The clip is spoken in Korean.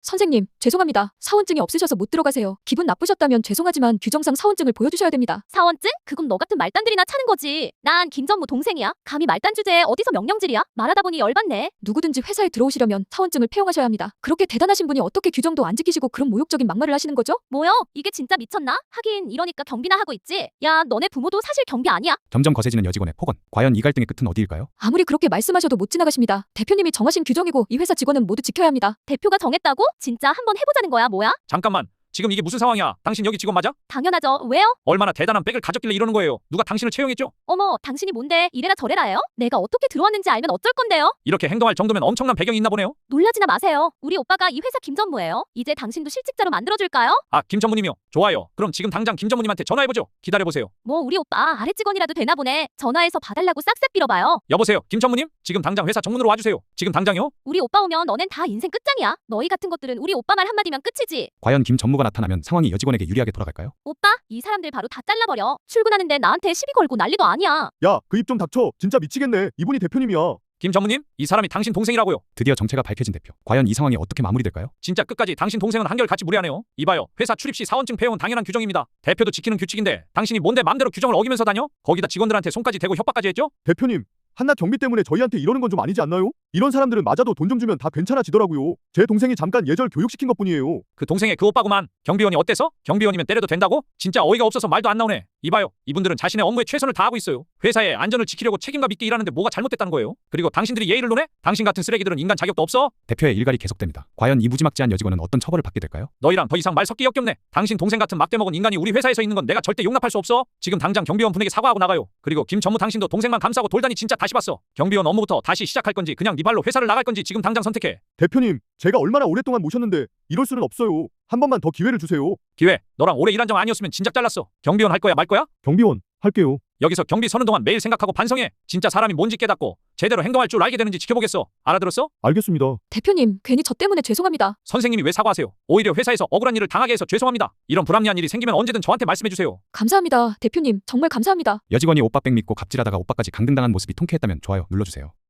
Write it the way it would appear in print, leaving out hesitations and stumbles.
선생님, 죄송합니다. 사원증이 없으셔서 못 들어가세요. 기분 나쁘셨다면 죄송하지만 규정상 사원증을 보여주셔야 됩니다. 사원증? 그건 너 같은 말단들이나 차는 거지. 난 김전무 동생이야. 감히 말단 주제에 어디서 명령질이야? 말하다 보니 열받네. 누구든지 회사에 들어오시려면 사원증을 폐용하셔야 합니다. 그렇게 대단하신 분이 어떻게 규정도 안 지키시고 그런 모욕적인 막말을 하시는 거죠? 뭐요? 이게 진짜 미쳤나? 하긴 이러니까 경비나 하고 있지. 야, 너네 부모도 사실 경비 아니야? 점점 거세지는 여직원의 폭언. 과연 이 갈등의 끝은 어디일까요? 아무리 그렇게 말씀하셔도 못 지나가십니다. 대표님이 정하신 규정이고 이 회사 직원은 모두 지켜야 합니다. 대표가 정했다고? 진짜 한번 해보자는 거야, 뭐야? 잠깐만. 지금 이게 무슨 상황이야? 당신 여기 직원 맞아? 당연하죠. 왜요? 얼마나 대단한 백을 가졌길래 이러는 거예요? 누가 당신을 채용했죠? 어머, 당신이 뭔데 이래라 저래라예요? 내가 어떻게 들어왔는지 알면 어쩔 건데요? 이렇게 행동할 정도면 엄청난 배경이 있나 보네요. 놀라지나 마세요. 우리 오빠가 이 회사 김전무예요. 이제 당신도 실직자로 만들어줄까요? 아, 김 전무님이요. 좋아요. 그럼 지금 당장 김 전무님한테 전화해보죠. 기다려보세요. 뭐 우리 오빠 아래 직원이라도 되나 보네. 전화해서 봐달라고 싹싹 빌어봐요. 여보세요. 김 전무님? 지금 당장 회사 정문으로 와주세요. 지금 당장요? 우리 오빠 오면 너넨 다 인생 끝장이야. 너희 같은 것들은 우리 오빠 말 한마디면 끝이지. 과연 김 전무가 나타나면 상황이 여직원에게 유리하게 돌아갈까요? 오빠, 이 사람들 바로 다 잘라버려. 출근하는데 나한테 시비 걸고 난리도 아니야. 야, 그 입 좀 닥쳐. 진짜 미치겠네. 이분이 대표님이야. 김 전무님? 이 사람이 당신 동생이라고요. 드디어 정체가 밝혀진 대표. 과연 이 상황이 어떻게 마무리될까요? 진짜 끝까지 당신 동생은 한결같이 무례하네요. 이봐요. 회사 출입 시 사원증 폐용은 당연한 규정입니다. 대표도 지키는 규칙인데 당신이 뭔데 맘대로 규정을 어기면서 다녀? 거기다 직원들한테 손까지 대고 협박까지 했죠? 대표님, 한낱 경비 때문에 저희한테 이러는 건 좀 아니지 않나요? 이런 사람들은 맞아도 돈 좀 주면 다 괜찮아지더라고요. 제 동생이 잠깐 예절 교육시킨 것뿐이에요. 그 동생의 그 오빠구만. 경비원이 어때서? 경비원이면 때려도 된다고? 진짜 어이가 없어서 말도 안 나오네. 이봐요. 이분들은 자신의 업무에 최선을 다하고 있어요. 회사의 안전을 지키려고 책임감 있게 일하는데 뭐가 잘못됐다는 거예요? 그리고 당신들이 예의를 논해? 당신 같은 쓰레기들은 인간 자격도 없어? 대표의 일갈이 계속됩니다. 과연 이 무지막지한 여직원은 어떤 처벌을 받게 될까요? 너희랑 더 이상 말 섞기 역겹네. 당신 동생 같은 막대 먹은 인간이 우리 회사에서 있는 건 내가 절대 용납할 수 없어. 지금 당장 경비원 분에게 사과하고 나가요. 그리고 김 전무 당신도 동생만 감싸고 돌다니 진짜 다시 봤어. 경비원 업무부터 다시 시작할 건지 그냥 네 발로 회사를 나갈 건지 지금 당장 선택해. 대표님, 제가 얼마나 오랫동안 모셨는데 이럴 수는 없어요. 한 번만 더 기회를 주세요. 기회. 너랑 오래 일한 적 아니었으면 진작 잘랐어. 경비원 할 거야 말 거야? 경비원, 할게요. 여기서 경비 서는 동안 매일 생각하고 반성해. 진짜 사람이 뭔지 깨닫고 제대로 행동할 줄 알게 되는지 지켜보겠어. 알아들었어? 알겠습니다. 대표님, 괜히 저 때문에 죄송합니다. 선생님이 왜 사과하세요? 오히려 회사에서 억울한 일을 당하게 해서 죄송합니다. 이런 불합리한 일이 생기면 언제든 저한테 말씀해주세요. 감사합니다. 대표님, 정말 감사합니다. 여직원이 오빠 백 믿고 갑질하다가 오빠까지 강등당한 모습이 통쾌했다면 좋아요 눌러주세요.